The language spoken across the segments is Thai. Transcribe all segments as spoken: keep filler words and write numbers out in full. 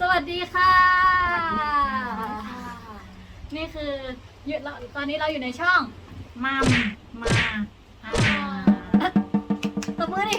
สวัสดีค่ะนี่คืออยู่ตอนนี้เราอยู่ในช่องมัมมาอ่าตบมือดิ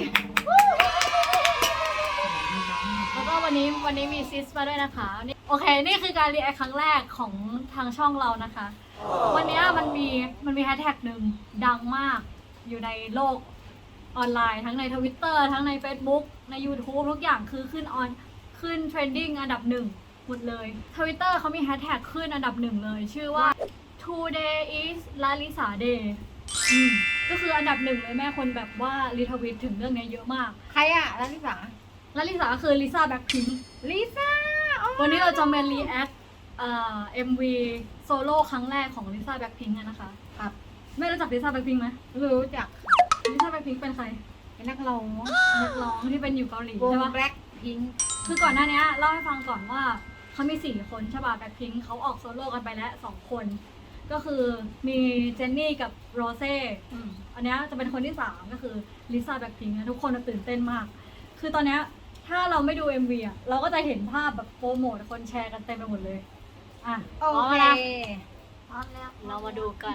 แล้วก็วันนี้วันนี้มีซิสมาด้วยนะคะโอเคนี่คือการรีแอคครั้งแรกของทางช่องเรานะคะวันนี้มันมีมันมีแฮชแท็กหนึ่งดังมากอยู่ในโลกออนไลน์ทั้งใน Twitter ทั้งใน Facebook ใน YouTube ทุกอย่างคือขึ้นออนขึ้นเทรนดิ้งอันดับหนึ่งหมดเลย Twitter เขามีแฮชแท็กขึ้นอันดับหนึ่งเลยชื่อว่า today is Lalisa day อืมก็คืออันดับหนึ่งเลยแม่คนแบบว่ารีทวิตถึงเรื่องนี้เยอะมากใครอะลาลิสาลาลิสาคือลิซ่าแบ็คพิงค์ลิซ่าวันนี้เราจะมารีแอคเอ่อ เอ็ม วี โซโล่ครั้งแรกของลิซ่าแบ็คพิงค์นะคะครับไม่รู้จักลิซ่าแบ็คพิงค์ไหมรู้จักลิซ่าแบ็คพิงค์เป็นใครเป็นนักร้องนักร้องที่เป็นอยู่เกาหลีวงใช่ปะแบล็คพิงค์คือก่อนหน้านี้เล่าให้ฟังก่อนว่าเขามีสี่คนใช่ป่ะแบ็คพิงค์เขาออกโซโล่กันไปแล้วสองคนก็คือมีเจนนี่กับโรเซ่อืมอันนี้จะเป็นคนที่สามก็คือลิซ่าแบ็คพิงค์นะทุกคนตื่นเต้นมาก คือตอนนี้ถ้าเราไม่ดู เอ็ม วี อ่ะเราก็จะเห็นภาพแบบโปรโมทคนแชร์กันเต็มไปหมดเลยอ่ะโอเคพร้อมแล้วเรามาดูกัน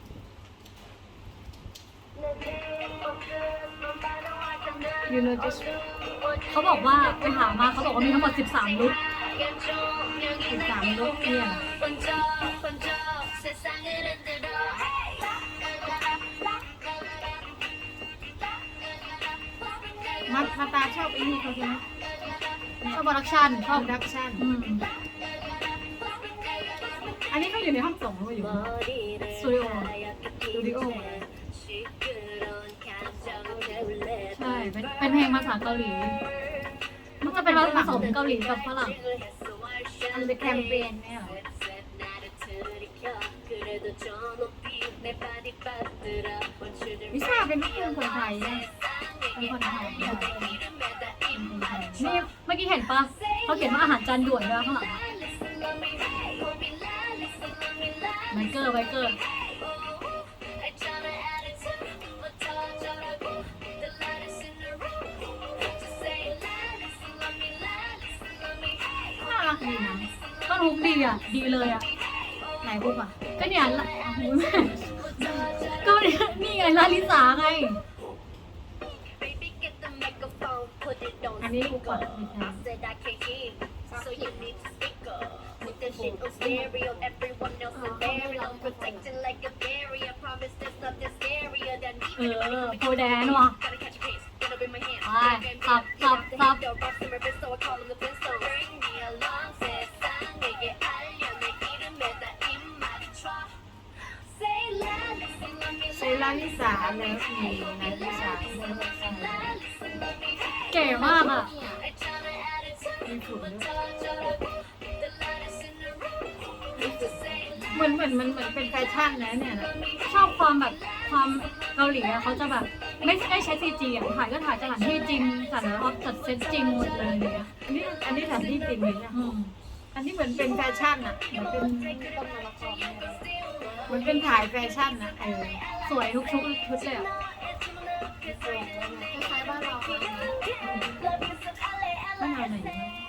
ยูโนจิเขาบอกว่าไปหามาเขาบอกว่ามีทั้งหมดสิบสามลุคสิบสามลุคเนี่ยมามาตาชอบไอ้นี่เขาใช่ไหมชอบโปรดักชั่นชชออบบดักชั่นอืมอันนี้เขาอยู่ในห้องส่งหรือว่าอยู่สตูดิโอสตูดิโอใช่เป็นเป็นเพลงภาษาเกาหลีมันจะเป็นผสมเกาหลีกับฝรั่งอันเป็นแคมเปญเนี่ยเหรอลิซ่าเป็นลูกครึ่งคนไทยนะเป็นคนไทยนี่เมื่อกี้เห็นปะเขาเขียนว่าอาหารจานด่วนด้วยข้างหลังไบเกอร์ไบเกอร์น่ารักดีนะก็รุกดีอ่ะดีเลยอ่ะไหนพูดป่ะก็เนี่ยละโอ้ยแม่ก็เนี่ยนี่ไงลาลิสาไงอันนี้กูก่อนเออโคแดนว่ะไปสับสับสับเซลาลิสาแล้วมีลาลิสาเก๋มากอ่ะมีฝุ่นด้วยเหมือนเหมือนมันเหมือนเป็นแฟชั่นนะเนี่ยนะชอบความแบบความเกาหลีอะเขาจะแบบไม่ได้ใช้ซีจีอ่ะถ่ายก็ถ่ายสถานที่จริงสันออฟจัดเซตจริงหมดเลยเนี่ยอันนี้อันนี้สถานที่จริงเลยนะอืมอันนี้เหมือนเป็นแฟชั่นอ่ะเหมือนเป็นเหมือนเป็นถ่ายแฟชั่นนะเออสวยทุกชุดชุดเลยอ่ะคล้ายๆบ้านเราบ้านเราไหน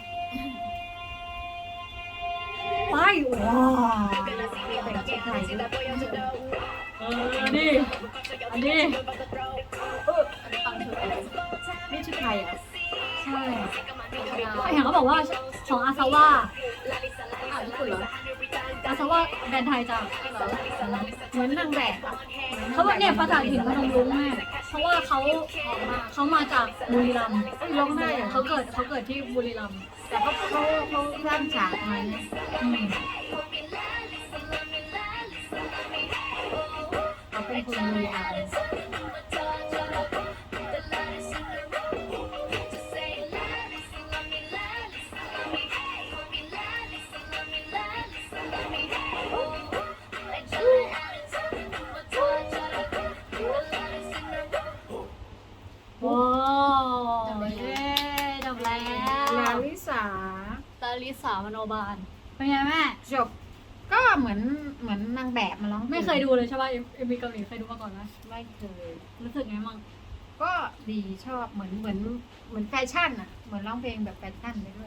ไปว้าวแต่งชุดไทยด้วยเออดิอันนี้นี่ชุดไทยอ่ะใช่เห็นเขาบอกว่าของอาซาว่าอ้าวญี่ปุ่นเหรออาซาว่าแบรนด์ไทยจ้ะเหมือนนางแบบอ่ะเขาบอกเนี่ยภาษาถิ่นพนมรุ้งแม่เพราะว่าเขาเขามาจากบุรีรัมย์เอ้ยร้องได้เหรอเขาเกิดเขาเกิดที่บุรีรัมย์แต่เขาเขาเขาสร้างฉากมาเนี่ยอืมเขาเป็นคนบุรีรัมย์ว้าวเย้จบแล้วลาลิสาลาลิสามโนบาลเป็นไงแม่จบก็เหมือนเหมือนนางแบบมาร้องพลงไม่เคยดูเลยใช่ป่ะเอ็มวีเกาหลีเคยดูมาก่อนไหมไม่เคยรู้สึกไงมั่งก็ดีชอบเหมือนเหมือนเหมือนแฟชั่นอ่ะเหมือนร้องเพลงแบบแฟชั่นไปด้วย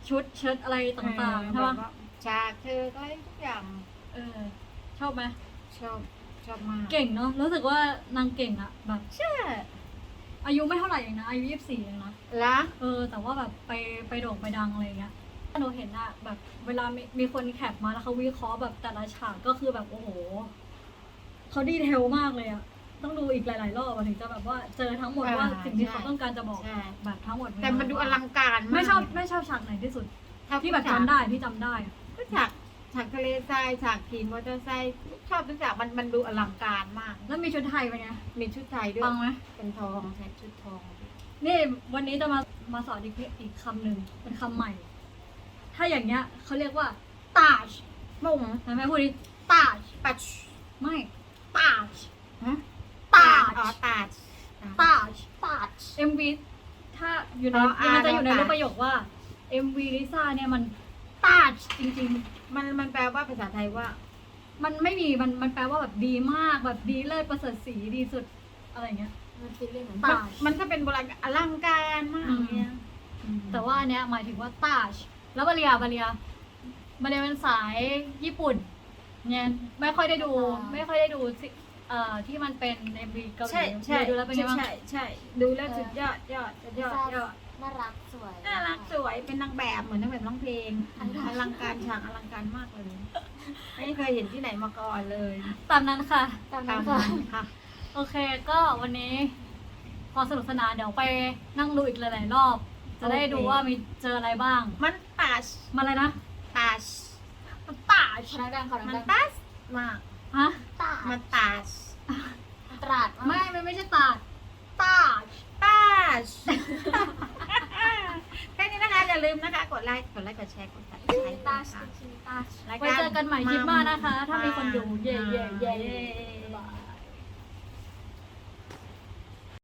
ชุดเชิ้ตอะไรต่างๆใช่ปะฉากเธออะไรทุกอย่างเออ ชอบไหมชอบชอบมากเก่งเนาะรู้สึกว่านางเก่งอะแบบใช่อายุไม่เท่าไหร่เองนะอายุยี่สิบสี่เองนะละเออแต่ว่าแบบไปไปโด่งไปดังอะไรเงี้ยหนูเห็นอะแบบเวลามีมีคนแคปมาแล้วเขาวิเคราะห์แบบแต่ละฉากก็คือแบบโอ้โหเขาดีเทลมากเลยอะต้องดูอีกหลาย ๆ รอบอะถึงจะแบบว่าเจอทั้งหมดว่าสิ่งที่เขาต้องการจะบอกใช่แบบทั้งหมดแต่มันดูอลังการมากไม่ชอบไม่ชอบฉากไหนที่สุด ที่แบบจำได้ที่จำได้อะก็ฉากฉากทะเลทรายฉากขี่มอเตอร์ไซค์ชอบทุกฉากมันมันดูอลังการมากแล้วมีชุดไทยไปไงมีชุดไทยด้วยปังไหมเป็นทองใช้ชุดทองนี่วันนี้จะมามาสอนอีกอีกคำหนึ่งเป็นคำใหม่ ถ้าอย่างเงี้ยเขาเรียกว่าตาชมุ้งเห็นไหมพูดดิตาชปัชไม่ตาชฮะตาอ๋อชตาชตาชตาช เอ็ม วี ถ้าอยู่ในอ๋ออ่ามันจะอยู่ในเรารูตาปประโยคว่า เอ็ม วี ลิซ่าเนี่ยมันตาชจริงมันมันแปลว่าภาษาไทยว่าๆ มันไม่มีมันมันแปลว่าแบบดีมากแบบดีเลิศประเสริฐศรีดีสุดอะไรเงี้ยมันฟิลลิ่งเหมือนตามันมันก็เป็นโบราณอลังการมากอืมเนี่ยแต่ว่าอันเนี้ยหมายถึงว่าตาชแล้วบาเรียบาเรียบาเรียเป็นสายญี่ปุ่นเนี่ยไม่ค่อยได้ดู ไม่ค่อยได้ดูสิเอ่อที่มันเป็นเอ็มวีเกาหลีใช่ใช่ดูแล้วเป็นไงบ้างใช่ใช่ดูแล้วสุดยอดยอดยอดยอดน่ารักสวยน่ารักสวยเป็นนางแบบเหมือนนางแบบร้องเพลงอลังการฉากอลังการมากเลยไม่เคยเห็นที่ไหนมาก่อนเลยตามนั้นค่ะตามตานั้มนค่ะนั้นค่ะโอเคก็วันนี้พอสนุกสนานเดี๋ยวไปนั่งดูอีกหลายๆรอบ จะได้ดูว่ามีเจออะไรบ้างมันตาชมาเลยนะตาชมันตาชขอดังๆขอมันดังตาชมากฮะๆตามันตาชตราดไม่ไม่ไม่ใช่ตาชตาชตาชแค่นี้นะคะอย่าลืมนะคะ กดไลค์กดไลค์กดแชร์กดติดตามตานะคะตาไว้เจอกันใหม่คลิปหน้านะคะ ถ้ามีคนดูเย่เย่เย่เย่